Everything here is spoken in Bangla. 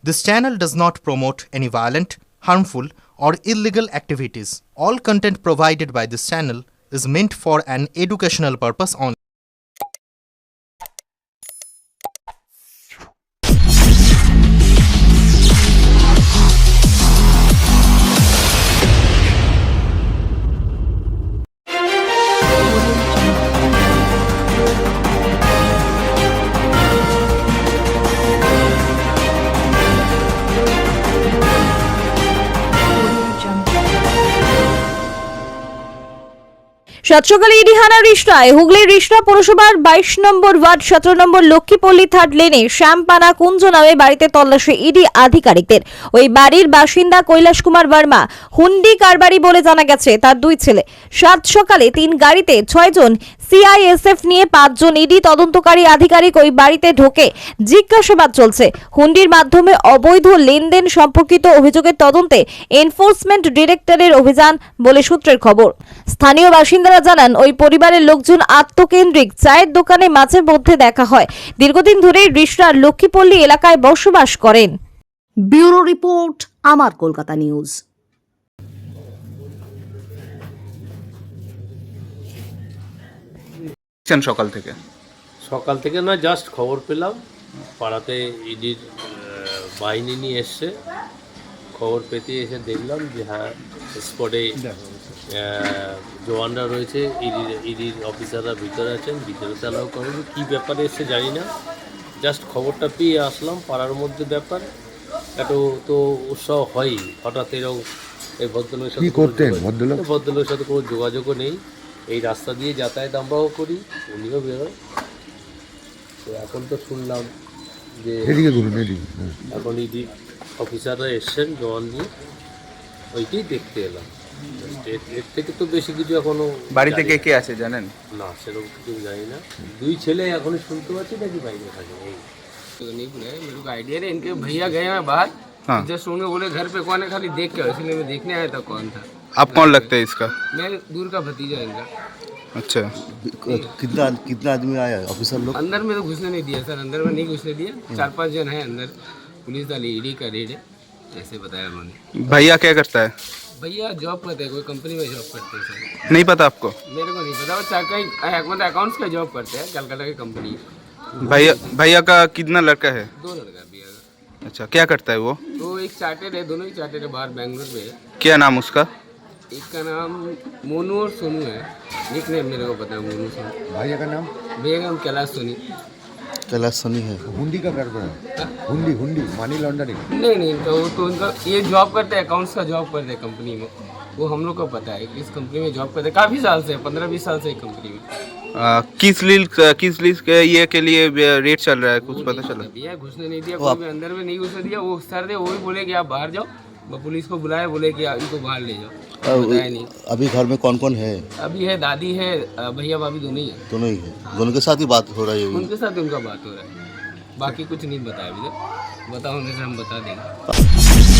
This channel does not promote any violent, harmful, or illegal activities. All content provided by this channel is meant for an educational purpose only. সাত সকালে ইডিহানা রিষ্টায় হুগলির রিষ্টা পৌরসভার 22 নম্বর ওয়ার্ড 17 নম্বর লক্ষ্মীপল্লী থার্ড লেনে শ্যামপানা কুঞ্জ নামে বাড়িতে তল্লাশি ইডি আধিকারিকদের। ওই বাড়ির বাসিন্দা কৈলাস কুমার বর্মা হুন্ডি কারবারি বলে জানা গেছে। তার দুই ছেলে। সাত সকালে 3 গাড়িতে 6 জন সিআইএসএফ নিয়ে 5 জন ইডি তদন্তকারী আধিকারিক ওই বাড়িতে ঢোকে জিজ্ঞাসাবাদ চলছে। হুন্ডির মাধ্যমে অবৈধ লেনদেন সম্পর্কিত অভিযোগের তদন্তে এনফোর্সমেন্ট ডিরেক্টরের অভিযান বলে সূত্রের খবর। স্থানীয় বাসিন্দারা জানান, ওই পরিবারের লোকজন আত্মকেন্দ্রিক, চায়ের দোকানে মাঝে মধ্যে দেখা হয়। দীর্ঘদিন ধরেই রিষ্টার লক্ষ্মীপল্লী এলাকায় বসবাস করেন। ব্যুরো রিপোর্ট, আমার কলকাতা নিউজ। সকাল থেকে না, জাস্ট খবর পেলাম পাড়াতে ইডির বাহিনী নিয়ে এসছে। খবর পেতে এসে দেখলাম যে হ্যাঁ, স্পটে জওয়ানরা রয়েছে, ইডির অফিসাররা ভিতরে আছেন, ভিতরে চালাও করেন। কী ব্যাপারে এসছে জানি না, জাস্ট খবরটা পেয়ে আসলাম। পাড়ার মধ্যে ব্যাপার এত তো উৎসাহ হয়ই, হঠাৎ এরকম এই ভদ্রলোকের সাথে ভদ্রলোকের সাথে কোনো যোগাযোগও নেই। এই রাস্তা দিয়ে যাতায়াত আমরাও করি, উনিও বেরোয়। তো এখন তো শুনলাম যে এখন ইডি অফিসাররা এসছেন জওয়ান নিয়ে, ওইটাই দেখতে এলাম। এর থেকে তো বেশি কিছু এখনো বাড়িতে কে কে আছে জানেন না, সেরকম কিছু জানি না। দুই ছেলে এখনই শুনতে পাচ্ছি নাকি বাইরে থাকে। এই तो नहीं मेरे को आइडिया है, इनके भैया गए हैं बाहर। हाँ। जस्ट उन्हें बोले घर पे कौन है, खाली देख के, इसलिए मैं देखने आया था कौन था। आप कौन लगता है इसका? मैं दूर का भतीजा है इनका। अच्छा, कितना आदमी आया ऑफिसर लोग? अंदर में तो घुसने नहीं दिया सर, अंदर में नहीं घुसने दिया। 4-5 जन है अंदर, पुलिस वाली ईडी का रेड है, ऐसे बताया उन्होंने। भैया क्या करता है? भैया जॉब करते हैं, कोई कंपनी में जॉब करते हैं सर। नहीं पता आपको? मेरे को नहीं पता, वो कहीं मतलब अकाउंट्स का जॉब करते हैं, कलकत्ता की कंपनी। भैया का कितना लड़का है? 2 लड़का भैया का। अच्छा, क्या करता है वो? तो एक चार्टेड है, दोनों ही चार्टेड है, बाहर बैंगलोर में है। क्या नाम उसका? एक का नाम मोनू और सोनू है, निक नेम मेरे को पता है, मोनू सोनू। भैया का नाम? भैया का नाम कैलाश सोनी। कैलाश सनी है। हुंडी का कारोबार है? हुंडी मनी लॉन्ड्रिंग? नहीं इनका वो तो इनका ये जॉब करते हैं, अकाउंट्स का जॉब करते हैं कंपनी में। वो हम लोग को पता है किस कंपनी में जॉब करते हैं, काफ़ी साल से, 15-20 साल से एक कंपनी में। किस लीज के ये के लिए रेट चल रहा है, कुछ पता चला? दिया घुसने नहीं दिया, कोई भी अंदर में नहीं घुसने दिया। वो सर थे, वो भी बोले कि आप बाहर जाओ, वो पुलिस को बुलाए, बोले कि इनको बाहर ले जाओ। बताया नहीं। अभी घर में कौन कौन है? अभी है दादी है, भैया भाभी दोनों ही है। दोनों ही है। दोनों के साथ ही बात हो रही है? उनके साथ उनका बात हो रहा है, बाकी कुछ नहीं बताया अभी तक। बताओ उनसे हम बता देंगे।